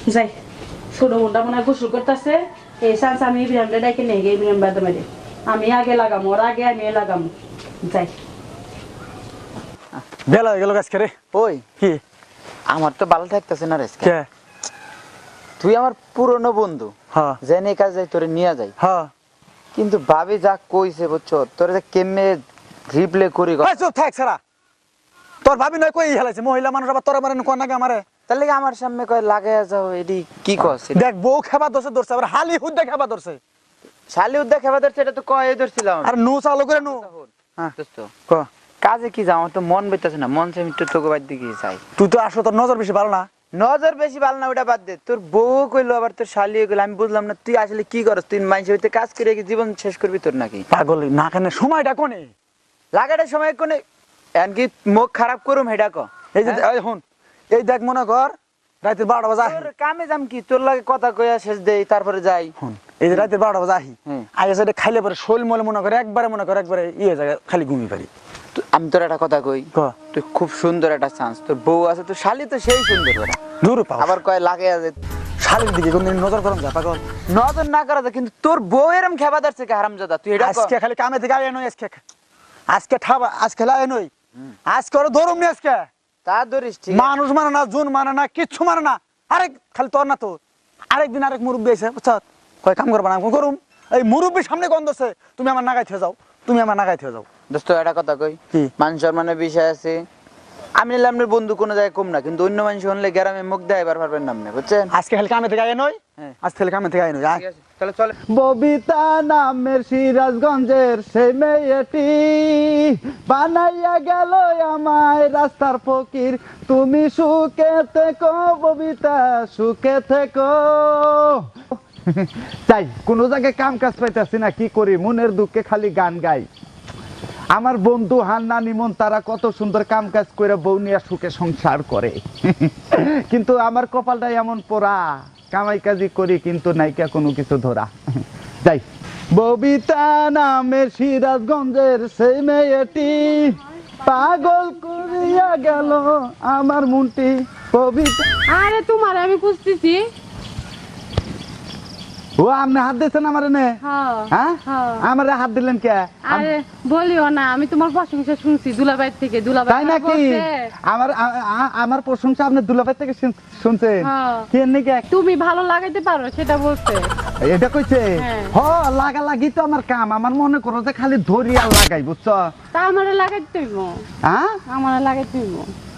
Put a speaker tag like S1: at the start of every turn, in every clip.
S1: যাই ছোট বোনটা মনে হয় গোসল করতেছে এই চান্স আমি ইব্রাহিমটা ডাইকে নিয়ে গিয়ে ইব্রাহিম বাদে মারি আমি আগে লাগামো ওর আগে আমি লাগামো যাই
S2: বেলা হয়ে গেল আজকে রে
S3: ওই
S2: কি
S3: আমার তো ভালো থাকতেছে না রে
S2: কে
S3: তুই আমার পুরনো বন্ধু
S2: হ্যাঁ
S3: জেনে কাজ যাই তোরে নিয়ে যাই
S2: হ্যাঁ
S3: কিন্তু ভাবি যা কইছে বুঝছো তোরে যে কেমনে রিপ্লে করি
S2: চুপ থাক সারা তোর ভাবি নয় কই হেলাইছে মহিলা মানুষ আবার তোর মারে কোন নাকি আমারে
S3: তাহলে কি আমার সামনে কয় লাগাইয়া যাও এডি কি কস
S2: দেখ বউ খেবা ধরছে আবার হালি হুদ্দা খেবা ধরছে
S3: শালি উদ্দা খেবা ধরছে এটা তো কয়ে ধরছিলাম
S2: আর নু চালু করে নু হ্যাঁ
S3: দোস্ত
S2: ক
S3: কাজে কি যাও আমার তো মন বেতাছে না মন চাই একটু তোকে বাদ দিকে যাই
S2: তুই তো আসো তোর নজর বেশি ভালো না
S3: নজর বেশি ভালো না ওটা বাদ দে তোর বউ কইলো আবার তোর শালি কইলো আমি বুঝলাম না তুই আসলে কি করস তুই মানুষের হইতে কাজ করে কি জীবন শেষ করবি তোর নাকি
S2: পাগল না কেন সময়টা কোনে
S3: লাগাটার সময় কোনে এমনকি মুখ খারাপ করুম হেডা ক
S2: এই যে এই হন এই দেখ মনে কর রাতে 12টা বাজে
S3: তোর কামে যাম কি তোর লাগে কথা কইয়া শেষ দেই তারপরে যাই
S2: হন এই যে রাতে 12টা বাজে আহি আগে সেটা খাইলে পরে শৈল মলে মনে করে একবারে ইয়ে জায়গা খালি ঘুমিয়ে পারি
S3: আমি তোর একটা কথা কই
S2: ক
S3: তুই খুব সুন্দর একটা চান্স তোর বউ আছে তোর শালি তো সেই সুন্দর ওরা
S2: দূর পাও
S3: আবার কয় লাগে আছে
S2: শালির দিকে কোনদিন নজর করম যা পাগল
S3: নজর না করা যায় কিন্তু তোর বউ এরম খেবা ধরছে কে হারামজাদা তুই এটা
S2: আজকে খালি কামে থেকে আয় নই আজকে ঠাবা আজকে লাই নই আজকে ওর ধরুম নি আজকে
S3: তা ধরিস ঠিক
S2: মানুষ মানে না জুন মানে না কিচ্ছু মানে না আরেক খালি তোর না তো আরেকদিন আরেক মুরব্বী এসে বুঝছ কয় কাম করবা না করুম এই মুরব্বীর সামনে গন্ধ আছে তুমি আমার নাগাই থেকে যাও
S3: দোস্ত একটা কথা কই
S2: কি?
S3: মান সম্মানের বিষয় আছে আমি নিলাম আপনার বন্ধু কোনো জায়গায় কম না কিন্তু অন্য মানুষ হলে গ্রামে মুখ দেয় এবার পারবেন না আপনি বুঝছেন
S2: আজকে খালি কামে থেকে আয় নই আজকে খালি কামে থেকে আয় নই আয়
S3: ঠিক আছে তাহলে চলে
S4: ববিতা নামের সিরাজগঞ্জের সেই মেয়েটি বানাইয়া গেল আমায় রাস্তার ফকির তুমি সুখে থেকো ববিতা সুখে থেকো তাই কোন জায়গায় কাম কাজ পাইতেছি না কি করি মনের দুঃখে খালি গান গাই আমার বন্ধু হান্না নিমন তারা কত সুন্দর কাম কাজ করে বউ নিয়ে সুখে সংসার করে কিন্তু আমার কপালটা এমন পোড়া কামাই কাজি করি কিন্তু নাইকা কোনো কিছু ধরা যাই ববিতা নামের সিরাজগঞ্জের সেই মেয়েটি পাগল করিয়া গেল আমার মনটি ববিতা
S1: আরে তোমার আমি খুঁজতেছি
S4: ও আপনি হাত দিয়েছেন আমার এনে হ্যাঁ আমার হাত দিলেন কে
S1: আরে বলিও না আমি তোমার প্রশংসা শুনছি দুলাভাই থেকে দুলাভাই
S4: তাই নাকি আমার আমার প্রশংসা আপনি দুলাভাই থেকে শুনছেন কি নাকি
S1: তুমি ভালো লাগাইতে পারো সেটা বলছে
S4: এটা কইছে হ লাগা লাগি তো আমার কাম আমার মনে করো যে খালি ধরি আর লাগাই বুঝছো
S1: তা আমারে লাগাইতে হইব
S4: হ্যাঁ
S1: আমারে লাগাইতে হইব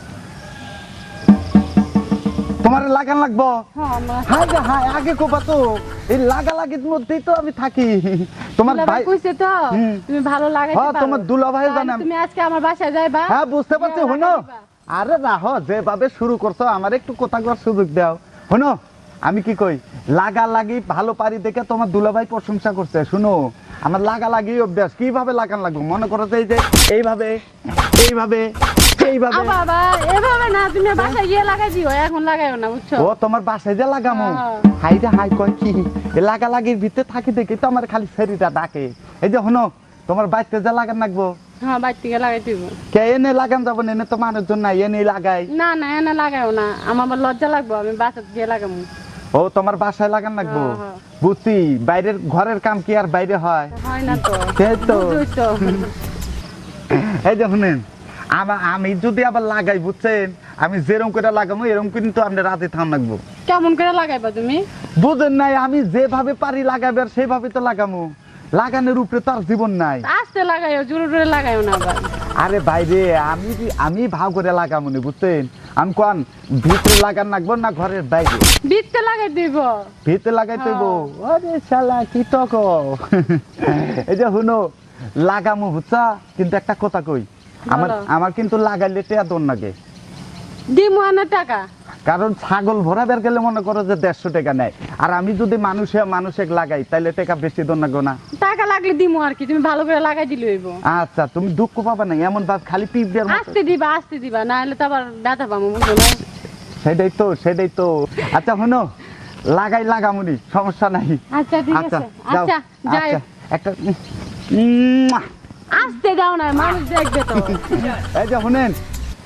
S4: তোমার লাগান লাগবো
S1: হ্যাঁ
S4: হাই রে হাই আগে কোপা তো এই লাগা লাগির মধ্যেই তো আমি থাকি তোমার ভাই
S1: কইছে তো তুমি ভালো লাগাইতে
S4: হ্যাঁ
S1: পারো
S4: তোমার দুলাভাই জানে
S1: তুমি আজকে আমার বাসায় যাইবা
S4: হ্যাঁ বুঝতে পারছি হনো আরে রাহো যেভাবে শুরু করছো আমার একটু কথা করার সুযোগ দাও হনো আমি কি কই লাগা লাগি ভালো পারি দেখে তোমার দুলাভাই প্রশংসা করছে শুনো আমার লাগা লাগি অভ্যাস কিভাবে লাগান লাগবে মনে করো যে এইভাবে এইভাবে এইভাবে
S1: বাবা এভাবে না তুমি বাসায় গিয়ে লাগাই দিও এখন লাগাইও না বুঝছো
S4: ও তোমার বাসায় যে লাগামো হাই রে হাই কয় কি লাগা লাগির ভিতরে থাকি দেখি তো আমার খালি শরীরটা ডাকে এই যে হনো তোমার বাড়িতে যে লাগান লাগবো
S1: হ্যাঁ বাইরে থেকে লাগাই দিব
S4: কে এনে লাগান যাবো এনে তো মানুষজন নাই এনে লাগাই
S1: না না এনে লাগাইও না আমার আবার লজ্জা লাগবো আমি বাসায় গিয়ে লাগাবো
S4: ও তোমার বাসায় লাগান লাগবো বুঝছি বাইরের ঘরের কাম কি আর বাইরে হয়
S1: হয় না তো
S4: সেই তো
S1: বুঝছো
S4: এই যে শুনেন আমি যদি আবার লাগাই বুঝছেন আমি যেরকম করে লাগাবো এরকম কিন্তু আপনি রাতে থাম লাগবো
S1: কেমন করে লাগাইবা তুমি
S4: বুঝেন নাই আমি যেভাবে পারি লাগাবে আর সেভাবে তো লাগামো লাগানোর উপরে তো আর জীবন নাই
S1: আস্তে লাগাইও জোরে জোরে লাগাইও না আবার
S4: আরে বাইরে আমি ভাগ করে লাগামো নি বুঝছেন আমি কোন ভিতরে লাগান লাগবো না ঘরের বাইরে
S1: ভিতরে লাগাই দিব
S4: ভিতরে লাগাই দেব আরে শালা কি তক এই যে শুনো লাগামো বুঝছা কিন্তু একটা কথা কই আমার কিন্তু লাগাইলে টেয়া দন লাগে
S1: দিমু আনা টাকা
S4: কারণ ছাগল ভরাবার গেলে মনে করো যে 150 টাকা নেয় আর আমি যদি মানুষে লাগাই তাহলে টাকা বেশি দন লাগবে না
S1: টাকা লাগলে দিমু আর কি তুমি ভালো করে লাগাই দিলে হইব
S4: আচ্ছা তুমি দুঃখ পাবা না এমন ভাব খালি টিপ দেওয়ার মতো
S1: আস্তে দিবা না হলে তো আবার ব্যথা পাবো বুঝছো না
S4: সেটাই তো আচ্ছা শোনো লাগামুনি সমস্যা নাই
S1: আচ্ছা ঠিক আছে আচ্ছা যাই
S4: একটা
S1: আস্তে দাও না মানুষ দেখবে তো
S4: এই যে শুনেন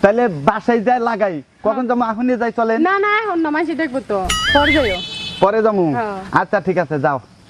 S4: তাহলে বাসায় যাই লাগাই কখন যাবো এখনই যাই চলেন
S5: না না এখন না মাসি দেখবো তো পরে যাইও
S4: পরে যাবো
S5: হ্যাঁ।
S4: আচ্ছা ঠিক আছে যাও